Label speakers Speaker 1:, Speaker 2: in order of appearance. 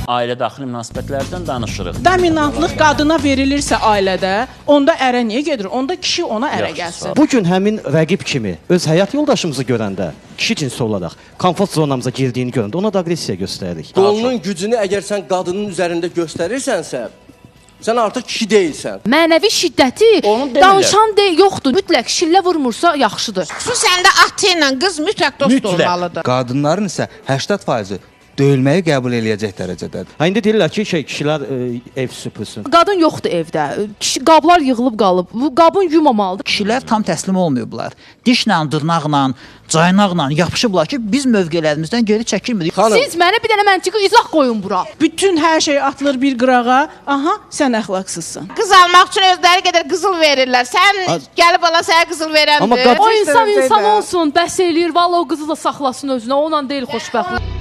Speaker 1: Ailə daxili münasibətlərdən danışırıq.
Speaker 2: Dominantlıq qadına verilirsə ailədə, onda ərə niyə gedir? Onda kişi ona ərə gəlsin.
Speaker 3: Bu gün həmin rəqib kimi öz həyat yoldaşımızı görəndə, kişi cinsi olaraq komfort zonamıza girdiyini görəndə ona da aqressiya göstəririk.
Speaker 4: Qolunun gücünü əgər sən qadının üzərində göstərirsənsə, sən artıq kişi deyilsən.
Speaker 5: Mənəvi şiddəti danışan yoxdur. Mütləq şillə vurmursa yaxşıdır.
Speaker 6: Xüsusən də atı ilə qız mütləq dost olmalıdır.
Speaker 7: Qadınların isə 80% döyülməyi qəbul eləyəcək dərəcədədir.
Speaker 3: İndi deyirlər ki, kişilər ev süpürsün.
Speaker 5: Qadın yoxdur evdə. Qablar yığılıb qalıb. Bu qabın yumamalıdır.
Speaker 8: Kişilər tam təslim olmayıblar. Dişlə, dırnaqla, caynaqla yapışıblar ki, biz mövqələrimizdən geri çəkilmirik.
Speaker 5: Siz mənə bir dənə məntiqi izah qoyun bura.
Speaker 2: Bütün hər şey atılır bir qırağa. Aha, sən əxlaqsızsın.
Speaker 6: Qız almaq üçün özləri qədər qızıl verirlər. Sən gəlib ala sənə qızıl verəndir.
Speaker 5: O insan olsun, bəs eləyir. Vallahi o qızı da saxlasın özünə. Onunla deyil xoşbəxtlik.